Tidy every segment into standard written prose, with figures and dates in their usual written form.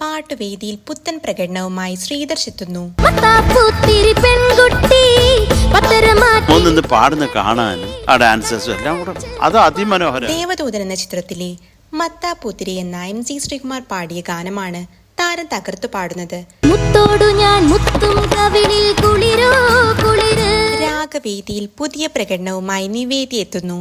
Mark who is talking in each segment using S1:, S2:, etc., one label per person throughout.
S1: പാട്ടുവേദിയിൽ പുത്തൻ പ്രകടനവുമായി ശ്രീധർഷ് എത്തുന്നു.
S2: പാടുന്ന കാണാനും ആ ഡാൻസേഴ്സും എല്ലാം കൂടെ അത് അതിമനോഹരം.
S1: ദേവദൂതൻ എന്ന ചിത്രത്തിലെ മത്താപ്പൂത്തിരി എന്ന MC ശ്രീകുമാർ പാടിയ ഗാനമാണ് താരം തകർത്തു പാടുന്നത്. രാഗവേദിയിൽ പുതിയ പ്രകടനവുമായി നിവേദി എത്തുന്നു.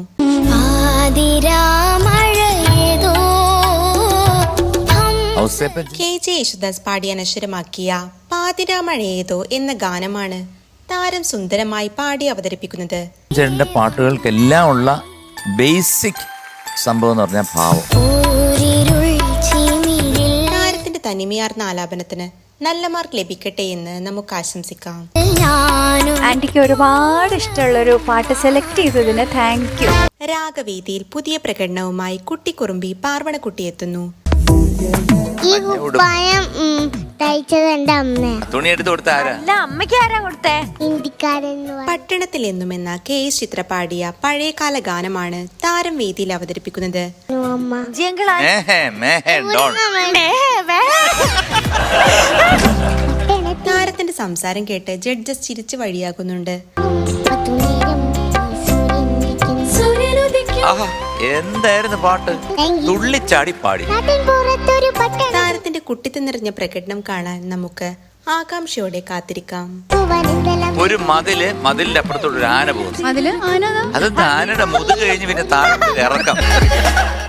S1: KJ യേശുദാസ് പാടി അനശ്വരമാക്കിയ പാതിരാമഴയേതോ എന്ന ഗാനമാണ് താരം സുന്ദരമായി പാടി അവതരിപ്പിക്കുന്നത്.
S3: ചേട്ടന്റെ പാട്ടുകൾക്കെല്ലാം ഉള്ള ബേസിക് സംഭവം എന്ന് പറഞ്ഞാൽ ഭാവം.
S1: താരത്തിന്റെ തനിമയാർന്ന ആലാപനത്തിന് നല്ല മാർക്ക് ലഭിക്കട്ടെ എന്ന് നമുക്ക് ആശംസിക്കാം.
S4: ആന്റിക്ക് ഒരുപാട് ഇഷ്ടമുള്ളൊരു പാട്ട് സെലക്ട് ചെയ്തതിന് താങ്ക് യു.
S1: രാഗവേദിയിൽ പുതിയ പ്രകടനവുമായി കുട്ടിക്കുറുമ്പി പാർവണക്കുട്ടി എത്തുന്നു.
S3: തുണി എടുത്ത് കൊടുത്ത
S4: അമ്മയ്ക്ക് ആരാ കൊടുത്തേ?
S1: പട്ടണത്തിൽ എന്നുമെന്ന KS ചിത്ര പാടിയ പഴയകാല ഗാനമാണ് താരം വേദിയിൽ അവതരിപ്പിക്കുന്നത്. താരത്തിന്റെ സംസാരം കേട്ട് ജഡ്ജസ് ചിരിച്ചു വഴിയാകുന്നുണ്ട്.
S3: എന്തായിരുന്നു പാട്ട്? തുള്ളിച്ചാടി പാടി.
S1: താരത്തിന്റെ കുട്ടിത്തം നിറഞ്ഞ പ്രകടനം കാണാൻ നമുക്ക് ആകാംക്ഷയോടെ കാത്തിരിക്കാം.
S3: ഒരു മതിലിന്റെ അപ്പുറത്തോട് ഒരു ആന പോകുന്നു. അത് ആനയുടെ മുതുക് കഴിഞ്ഞ് പിന്നെ താഴെ ഇറക്കാം.